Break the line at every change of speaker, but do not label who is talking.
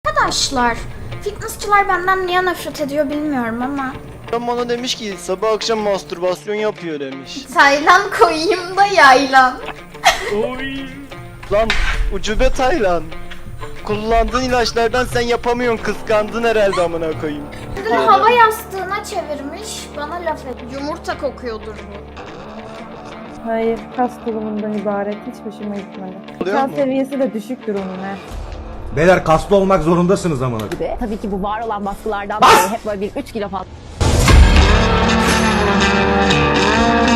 Arkadaşlar, fitnessçılar benden niye nefret ediyor bilmiyorum ama.
Adam bana demiş ki sabah akşam mastürbasyon yapıyor demiş.
Taylan koyayım da yaylan.
Lan ucube Taylan. Kullandığın ilaçlardan sen yapamıyorsun, kıskandın herhalde amına koyayım.
Kendini hava yastığına çevirmiş, bana laf et. Yumurta kokuyordur bu.
Hayır, kas tulumundan ibaret. Hiç hoşuma gitmedi.
Oluyor
Kas
mu?
seviyesi de düşüktür onun he.
Beyler kaslı olmak zorundasınız amına.
Gibi. Tabii ki bu var olan baskılardan dolayı hep böyle bir 3 kilo fazla